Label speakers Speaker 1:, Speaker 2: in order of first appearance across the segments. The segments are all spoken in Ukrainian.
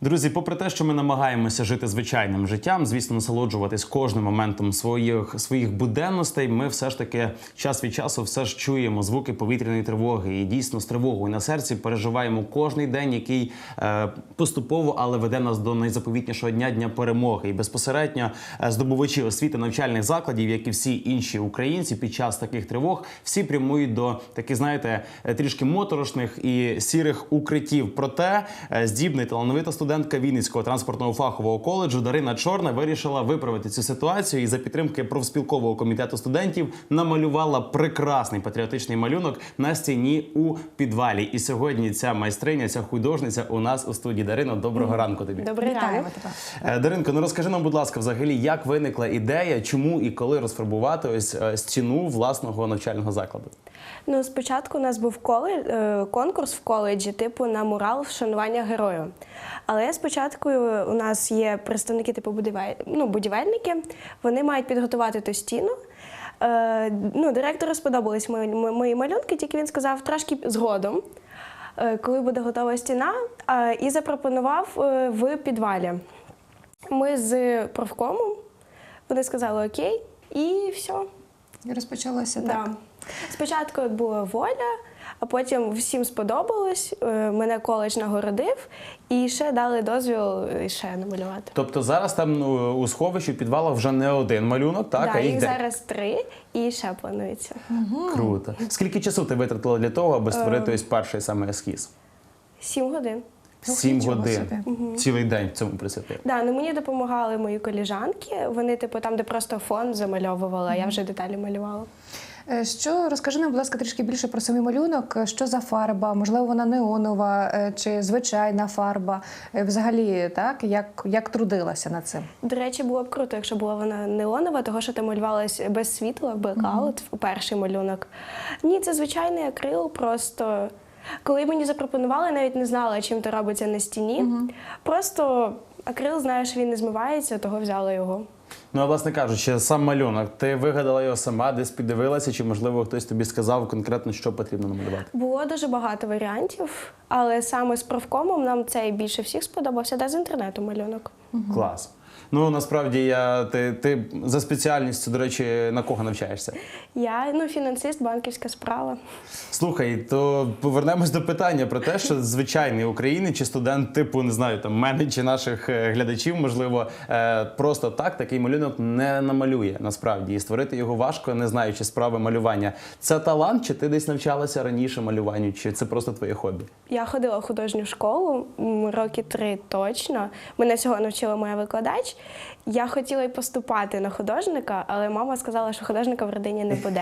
Speaker 1: Друзі, попри те, що ми намагаємося жити звичайним життям, звісно, насолоджуватись кожним моментом своїх буденностей, ми все ж таки час від часу все ж чуємо звуки повітряної тривоги. І дійсно з тривогою на серці переживаємо кожний день, який поступово, але веде нас до найзаповітнішого дня перемоги. І безпосередньо здобувачі освіти навчальних закладів, як і всі інші українці, під час таких тривог всі прямують до таких, знаєте, трішки моторошних і сірих укриттів. Проте здібна і талановита студентка Вінницького транспортного фахового коледжу Дарина Чорна вирішила виправити цю ситуацію і за підтримки профспілкового комітету студентів намалювала прекрасний патріотичний малюнок на стіні у підвалі. І сьогодні ця майстриня, ця художниця у нас у студії. Дарино, доброго ранку тобі.
Speaker 2: Добрий ранок.
Speaker 1: Даринко, ну розкажи нам, будь ласка, взагалі, як виникла ідея, чому і коли розфарбувати ось стіну власного навчального закладу?
Speaker 2: Ну, спочатку у нас був конкурс в коледжі, типу на мурал вшанування герою. Але спочатку у нас є представники типу будівельники, вони мають підготувати ту стіну. Директору сподобались мої малюнки, тільки він сказав трошки згодом, коли буде готова стіна, і запропонував в підвалі. Ми з профкомом, вони сказали окей, і все.
Speaker 3: І розпочалося так.
Speaker 2: Да. Спочатку була воля, а потім всім сподобалось, мене коледж нагородив і ще дали дозвіл ще намалювати.
Speaker 1: Тобто зараз там у сховищі, в підвалах вже не один малюнок, так?
Speaker 2: Да,
Speaker 1: а
Speaker 2: їх зараз 3 і ще планується.
Speaker 1: Круто. Скільки часу ти витратила для того, аби створити ось перший саме ескіз?
Speaker 2: 7 годин.
Speaker 1: 7
Speaker 3: нічого
Speaker 1: годин.
Speaker 3: собі.
Speaker 1: Цілий день в цьому присвятив.
Speaker 2: Да, мені допомагали мої коліжанки, вони типу там, де просто фон замальовувала, а я вже деталі малювала.
Speaker 3: Розкажи нам, будь ласка, трішки більше про самий малюнок. Що за фарба? Можливо, вона неонова чи звичайна фарба? Взагалі, так? Як трудилася над цим?
Speaker 2: До речі, було б круто, якщо була вона неонова, того що там малювалась без світла, блекаут, перший малюнок. Ні, це звичайний акрил, просто... Коли мені запропонували, я навіть не знала, чим то робиться на стіні. Просто акрил, знаєш, він не змивається, того взяла його.
Speaker 1: Ну, а власне кажучи, сам малюнок, ти вигадала його сама, десь піддивилася, чи, можливо, хтось тобі сказав конкретно, що потрібно намалювати?
Speaker 2: Було дуже багато варіантів, але саме з профкомом нам цей більше всіх сподобався, де з інтернету малюнок.
Speaker 1: Клас. Ну, насправді, ти за спеціальністю, до речі, на кого навчаєшся?
Speaker 2: Я, фінансист, банківська справа.
Speaker 1: Слухай, то повернемось до питання про те, що звичайний українець чи студент типу, не знаю, там, мене чи наших глядачів, можливо, просто так такий малюнок не намалює, насправді. І створити його важко, не знаючи справи малювання. Це талант, чи ти десь навчалася раніше малюванню, чи це просто твоє хобі?
Speaker 2: Я ходила в художню школу, роки 3 точно. Мене цього навчила моя викладач. Я хотіла й поступати на художника, але мама сказала, що художника в родині не буде.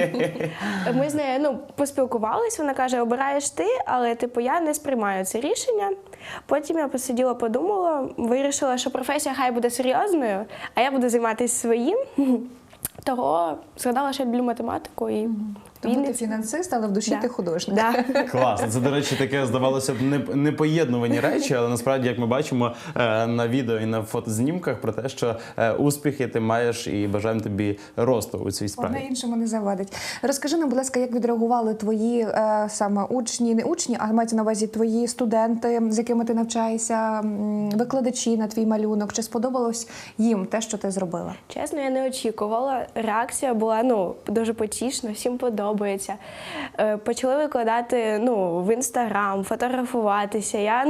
Speaker 2: Ми з нею поспілкувались, вона каже, обираєш ти, але я не сприймаю це рішення. Потім я посиділа, подумала, вирішила, що професія хай буде серйозною, а я буду займатися своїм. Того згадала, що я люблю математику і
Speaker 3: Тому ти фінансист, але в душі ти художник.
Speaker 2: Да.
Speaker 1: Класно. Це, до речі, таке, здавалося б, непоєднувані речі, але насправді, як ми бачимо на відео і на фотознімках, про те, що успіхи ти маєш і бажаємо тобі росту у цій справі.
Speaker 3: Одне іншому не завадить. Розкажи нам, будь ласка, як відреагували твої саме учні, не учні, а мається на увазі твої студенти, з якими ти навчаєшся, викладачі на твій малюнок. Чи сподобалось їм те, що ти зробила?
Speaker 2: Чесно, я не очікувала. Реакція була дуже потішна, всім подобається. Почали викладати в Інстаграм, фотографуватися.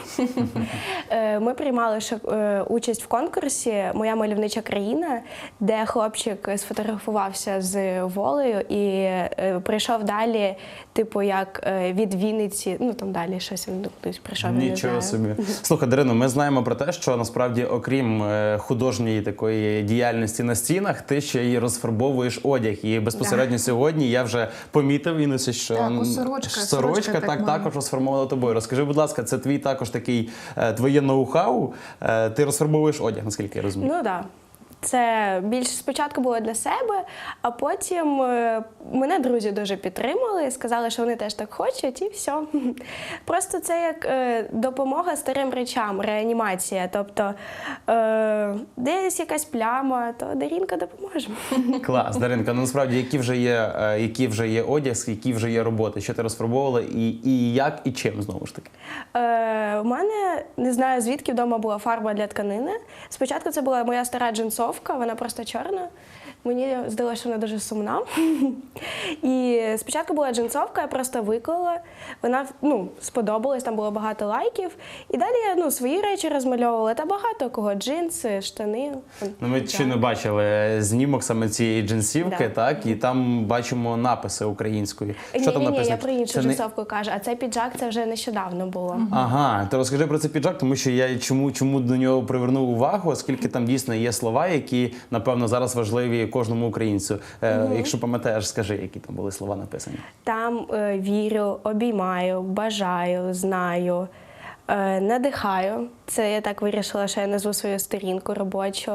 Speaker 2: Ми приймали участь в конкурсі «Моя мальовнича країна», де хлопчик сфотографувався з волею і прийшов далі, як від Вінниці, там далі щось він кудись прийшов.
Speaker 1: Нічого собі. Слухай, Дарино, ми знаємо про те, що насправді, окрім художньої такої діяльності на стінах, ти ще й розфарбовуєш одяг. І безпосередньо сьогодні я вже помітив, Інесі, що сорочка також розформована тобою. Розкажи, будь ласка, це твій також такий, твоє ноу-хау? Ти розфарбовуєш одяг, наскільки я розумію?
Speaker 2: Ну, так. Це більше спочатку було для себе, а потім мене друзі дуже підтримали, сказали, що вони теж так хочуть, і все. Просто це як допомога старим речам, реанімація. Тобто десь якась пляма, то Дарінка допоможе.
Speaker 1: Клас, Даринка, ну насправді, який вже є одяг, які вже є роботи, що ти розфарбовувала і як, і чим, знову ж таки?
Speaker 2: У мене, не знаю, звідки вдома була фарба для тканини. Спочатку це була моя стара джинсовка, вона просто чорна. Мені здалося, що вона дуже сумна. І спочатку була джинсовка, я просто виклала. Вона сподобалась, там було багато лайків. І далі я свої речі розмальовувала. Та багато кого. Джинси, штани.
Speaker 1: Ну, ми щойно бачили знімок саме цієї джинсівки,
Speaker 2: Да.
Speaker 1: так? І там бачимо написи українською. Що там
Speaker 2: Ні,
Speaker 1: написано?
Speaker 2: я про іншу
Speaker 1: Це не-
Speaker 2: джинсовку кажу, а цей піджак це вже нещодавно було.
Speaker 1: Ага, то розкажи про цей піджак, тому що я чому до нього привернув увагу, оскільки там дійсно є слова, які, напевно, зараз важливі кожному українцю. Якщо пам'ятаєш, скажи, які там були слова написані.
Speaker 2: Там вірю, обіймаю, бажаю, знаю, надихаю. Це я так вирішила, що я назву свою сторінку робочу.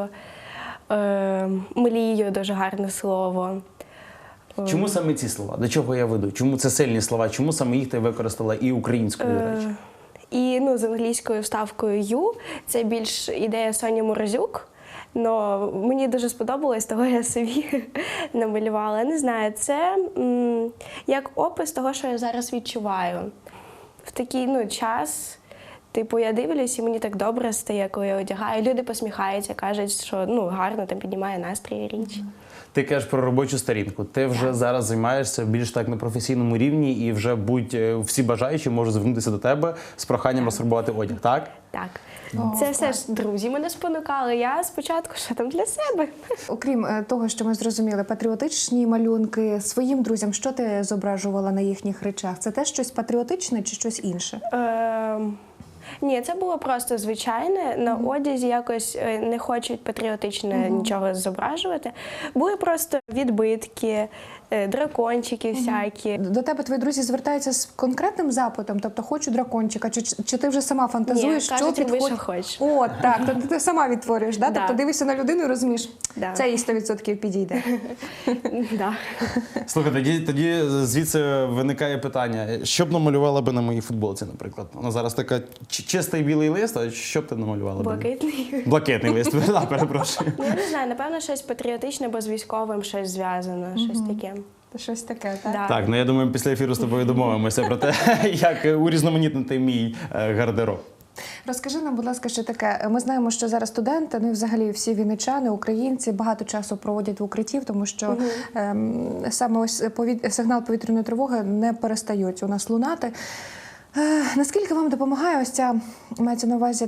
Speaker 2: Млію, дуже гарне слово.
Speaker 1: Чому саме ці слова? До чого я веду? Чому це сильні слова? Чому саме їх ти використала і українською, до речі?
Speaker 2: І з англійською вставкою «ю» це більш ідея Соні Морозюк. Но мені дуже сподобалось, того я собі намалювала. Не знаю, це як опис того, що я зараз відчуваю. В такий час, типу, я дивлюсь, і мені так добре стає, коли я одягаю. Люди посміхаються, кажуть, що гарно там піднімає настрій річ.
Speaker 1: Ти кажеш про робочу сторінку. Ти вже зараз займаєшся більш так на професійному рівні і вже всі бажаючі можуть звернутися до тебе з проханням розфарбувати одяг, так?
Speaker 2: Так. Це все ж друзі мене спонукали. Я спочатку, що там для себе.
Speaker 3: Окрім того, що ми зрозуміли, патріотичні малюнки своїм друзям, що ти зображувала на їхніх речах? Це теж щось патріотичне чи щось інше?
Speaker 2: Ні, це було просто звичайне. На одязі якось не хочуть патріотичне нічого зображувати. Були просто відбитки, дракончики всякі.
Speaker 3: До тебе твої друзі звертаються з конкретним запитом, тобто хочу дракончика, чи ти вже сама фантазуєш,
Speaker 2: Ні, кажуть, роби,
Speaker 3: підходить?
Speaker 2: що хочеш.
Speaker 3: О, так, тобто ти сама відтворюєш, да?
Speaker 2: Да.
Speaker 3: Тобто дивишся на людину і розумієш,
Speaker 2: Да.
Speaker 3: це їй 100% підійде.
Speaker 2: Да.
Speaker 1: Слухай, тоді звідси виникає питання. Що б намалювала би на моїй футболці, наприклад? Вона зараз така чистий білий лист, а що б ти намалювала?
Speaker 2: Блакитний.
Speaker 1: Блакитний лист, перепрошую.
Speaker 2: Я не знаю, напевно, щось патріотичне, бо з військовим щось зв'язано, щось таке.
Speaker 3: Щось таке, так?
Speaker 2: Да.
Speaker 1: Так, я думаю, після ефіру з тобою домовимося про те, як урізноманітнити мій гардероб.
Speaker 3: Розкажи нам, будь ласка, ще таке. Ми знаємо, що зараз студенти, ну і взагалі всі вінничани, українці багато часу проводять в укритті, тому що саме ось сигнал повітряної тривоги не перестають у нас лунати. Наскільки вам допомагає ось ця, мається на увазі,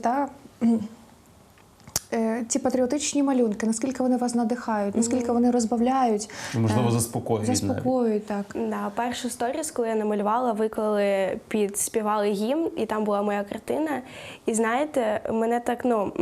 Speaker 3: ці патріотичні малюнки, наскільки вони вас надихають, наскільки вони розбавляють?
Speaker 1: Можливо, заспокоюють.
Speaker 3: Заспокоюють, так.
Speaker 2: Да, першу сторіс, коли я намалювала, виклали, підспівали гімн, і там була моя картина. І знаєте, мене так,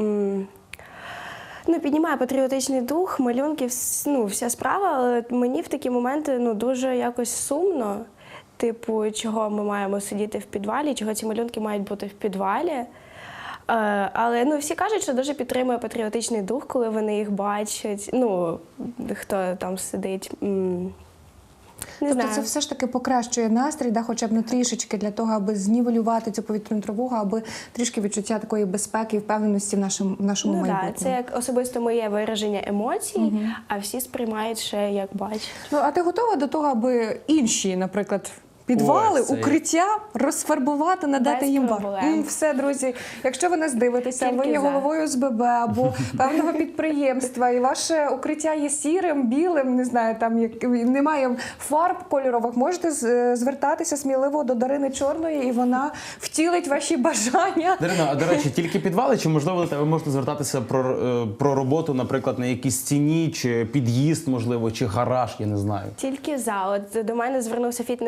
Speaker 2: піднімає патріотичний дух, малюнки, вся справа, але мені в такі моменти дуже якось сумно. Типу, чого ми маємо сидіти в підвалі, чого ці малюнки мають бути в підвалі. Але всі кажуть, що дуже підтримує патріотичний дух, коли вони їх бачать. Хто там сидить. Не
Speaker 3: Тобто
Speaker 2: знаю.
Speaker 3: це все ж таки покращує настрій, хоча б трішечки для того, аби знівелювати цю повітряну тривогу, аби трішки відчуття такої безпеки і впевненості в нашому майбутньому.
Speaker 2: Це як особисто моє вираження емоцій, а всі сприймають ще як бачать.
Speaker 3: А ти готова до того, аби інші, наприклад, підвали,
Speaker 1: Ось це-
Speaker 3: укриття розфарбувати, надати
Speaker 2: Без
Speaker 3: їм
Speaker 2: проблем.
Speaker 3: Все, друзі, якщо ви нас дивитеся, ви
Speaker 2: Тільки
Speaker 3: є
Speaker 2: за.
Speaker 3: головою СББ або певного підприємства, і ваше укриття є сірим, білим, не знаю, там немає фарб кольорових, можете звертатися сміливо до Дарини Чорної, і вона втілить ваші бажання.
Speaker 1: Дарина, а до речі, тільки підвали, чи можливо до тебе можна звертатися про роботу, наприклад, на якійсь стіні, чи під'їзд, можливо, чи гараж, я не знаю.
Speaker 2: Тільки за. От до мене звернувся фітнес-зал з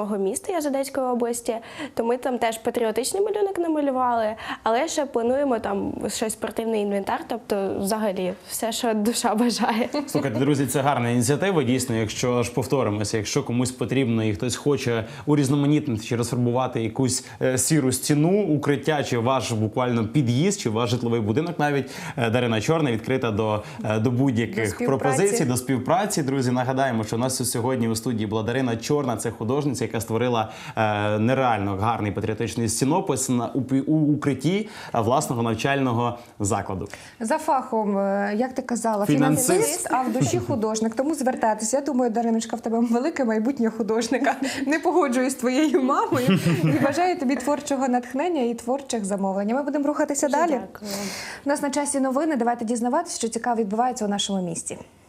Speaker 2: мого міста, я з Одеської області, то ми там теж патріотичний малюнок намалювали, але ще плануємо там щось спортивний інвентар, тобто взагалі все, що душа бажає.
Speaker 1: Слухайте, друзі, це гарна ініціатива. Дійсно, якщо ж повторимося, якщо комусь потрібно і хтось хоче урізноманітнити чи розфарбувати якусь сіру стіну, укриття, чи ваш буквально під'їзд, чи ваш житловий будинок, навіть Дарина Чорна відкрита до будь-яких пропозицій, до співпраці. Друзі, нагадаємо, що у нас сьогодні у студії була Дарина Чорна, це художниця, яка створила нереально гарний патріотичний стінопис у укритті власного навчального закладу.
Speaker 3: За фахом, як ти казала,
Speaker 1: Фінансист.
Speaker 3: фінансист, а в душі художник. Тому звертайтеся. Я думаю, Дариночка, в тебе велике майбутнє художника. Не погоджуюсь з твоєю мамою і бажаю тобі творчого натхнення і творчих замовлень. Ми будемо рухатися далі.
Speaker 2: Дякую.
Speaker 3: У нас на часі новини. Давайте дізнаватися, що цікаво відбувається у нашому місті.